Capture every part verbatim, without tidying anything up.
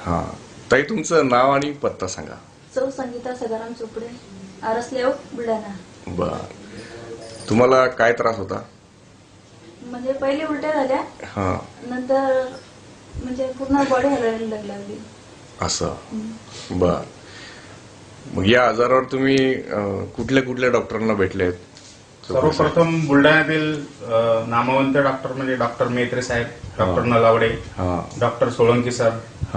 हा, ताई तुमचं नाव आणि पत्ता सांगा. सौ संगीता सदाराम चोपडे, आरस लेआउट, बुलढाणा. बर, तुम्हाला काय त्रास होता? म्हणजे पहिले उलट्या झाल्या, हा, नंतर म्हणजे पूर्ण बॉडी हलायला लागली. असं. बर, मग या आजारावर तुम्ही कुठल्या कुठल्या डॉक्टरांना भेटलेत? सर्वप्रथम बुलढाण्यातील नामवंत डॉक्टर म्हणजे डॉक्टर मेत्रे साहेब, doctor Nalawade, doctor Solanki sir,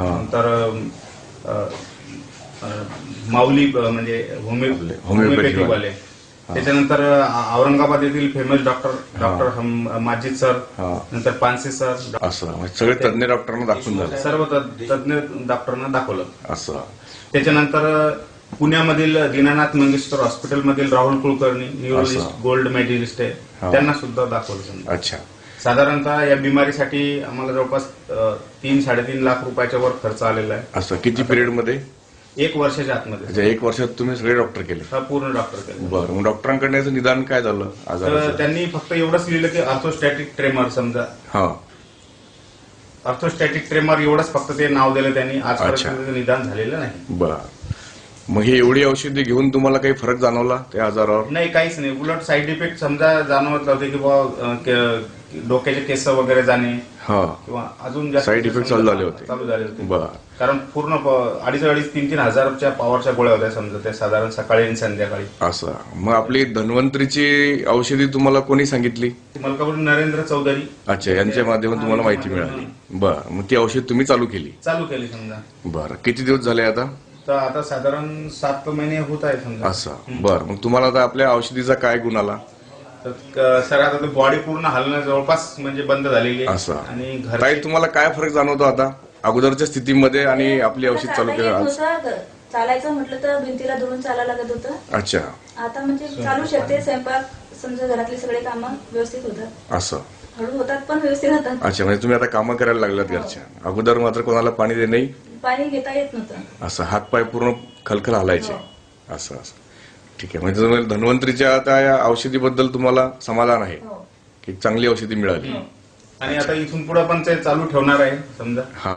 नंतर माऊली म्हणजे होमिओपॅथिक वाले, त्याच्यानंतर औरंगाबाद येथील famous doctor doctor Majid sir, नंतर पानसे सर, असं सगळे तज्ञ डॉक्टरांना दाखवून झाले. सर्व तज्ञ डॉक्टरांना दाखवलं. असं. त्याच्यानंतर पुण्यामधील दीनानाथ मंगेशकर हॉस्पिटलमधील Rahul Kulkarni, neurologist, gold medalist आहे, त्यांना सुद्धा दाखवलं. अच्छा. साधारणतः या बिमारीसाठी आम्हाला जवळपास तीन साडेतीन लाख रुपयाच्या वर खर्च आलेला आहे. असं किती पिरियड मध्ये? एक वर्षाच्या आतमध्ये. एक वर्षात तुम्ही सगळे डॉक्टर केले? हा, पूर्ण डॉक्टर केले. बरं, मग डॉक्टरांकडे याचं निदान काय झालं आजाराचं? त्यांनी फक्त एवढंच लिहिलं की अर्थोस्टॅटिक ट्रेमर, समजा हा अर्थोस्टॅटिक ट्रेमर एवढंच फक्त ते नाव दिलं त्यांनी. आजपर्यंत निदान झालेलं नाही. बरं, मग ही एवढी औषधी घेऊन तुम्हाला काही फरक जाणवला त्या आजारावर? नाही, काहीच नाही. उलट साईड इफेक्ट समजा जाणवत होते की बाबा डोक्याचे केस वगैरे जाणे किंवा अजून जास्त साईड इफेक्ट चालू झाले होते. चालू झाले होते. बरं, कारण पूर्ण अडीच अडीच तीन तीन हजारच्या पॉवरच्या गोळ्या होत्या समजा त्या, साधारण सकाळी आणि संध्याकाळी. असं. मग आपली धन्वंतरीची औषधी तुम्हाला कोणी सांगितली? मलकापूर नरेंद्र चौधरी. अच्छा, यांच्या माध्यमातून तुम्हाला माहिती मिळाली. बरं, मग ती औषध तुम्ही चालू केली? चालू केली समजा. बरं, किती दिवस झाले आता? तर आता साधारण सात महिने होत आहे समजा. असं. बरं, मग तुम्हाला आता आपल्या औषधीचा काय गुण आला? तर सर आता बॉडी पूर्ण हलणं जवळपास म्हणजे बंद झालेली आहे. असं. आणि ताई तुम्हाला काय फरक जाणवतो आता अगोदरच्या स्थितीमध्ये आणि आपली औषध चालू केलं? चालायचं म्हटलं तर भिंतीला धरून चालायला लागत होतं. अच्छा. आता म्हणजे चालू शकते. स्वयंपाक समजा घरातली सगळे कामं व्यवस्थित होतात. असं. हळू होतात पण व्यवस्थित होतात. अच्छा, म्हणजे तुम्ही आता कामं करायला लागलात घरच्या. अगोदर मात्र कोणाला पाणी दे नाही, पाणी घेता येत नव्हतं. असं हातपाय पूर्ण खलखल हलायचे. असं असं. ठीक आहे, म्हणजे तुम्हाला धन्वंतरीच्या आता या औषधीबद्दल तुम्हाला समाधान आहे की चांगली औषधी मिळाली? आणि आता इथून पुढे पण ते चालू ठेवणार आहे समजा. हा.